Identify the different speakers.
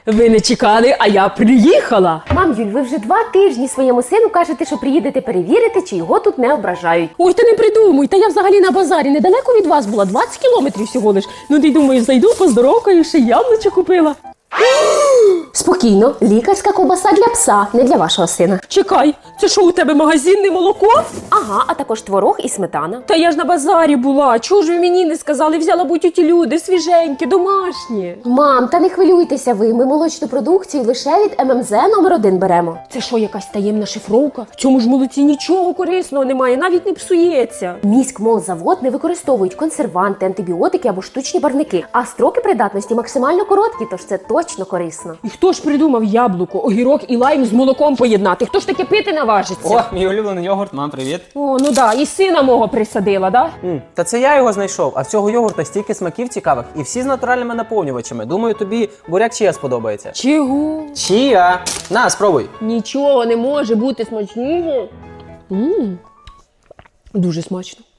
Speaker 1: Ви не чекали, а я приїхала.
Speaker 2: Мам, Юль, ви вже 2 тижні своєму сину кажете, що приїдете перевірити, чи його тут не ображають.
Speaker 1: Ой, та не придумуй, та я взагалі на базарі недалеко від вас була, 20 кілометрів всього лиш. Ну ти думаєш, зайду, поздоровкаю, ще яблучко купила.
Speaker 2: Спокійно, лікарська ковбаса для пса, не для вашого сина.
Speaker 1: Чекай, це що у тебе магазинне молоко?
Speaker 2: Ага, а також творог і сметана.
Speaker 1: Та я ж на базарі була, чого ж ви мені не сказали, взяла будь ті люди, свіженькі, домашні.
Speaker 2: Мам, та не хвилюйтеся ви, ми молочну продукцію лише від ММЗ номер 1 беремо.
Speaker 1: Це що, якась таємна шифровка? В цьому ж молоці нічого корисного немає, навіть не псується.
Speaker 2: Міськмолзавод не використовують консерванти, антибіотики або штучні барвники, а строки придатності максимально короткі, тож це точно корисно.
Speaker 1: І хто ж придумав яблуко, огірок і лайм з молоком поєднати? Хто ж таке пити наважиться?
Speaker 3: О, мій улюблений йогурт, мам, привіт.
Speaker 1: О, ну да, і сина мого присадила, да?
Speaker 3: Та це я його знайшов, а в цього йогурта стільки смаків цікавих і всі з натуральними наповнювачами. Думаю, тобі буряк чия сподобається.
Speaker 1: Чого?
Speaker 3: Чия? На, спробуй.
Speaker 1: Нічого не може бути смачніше. Дуже смачно.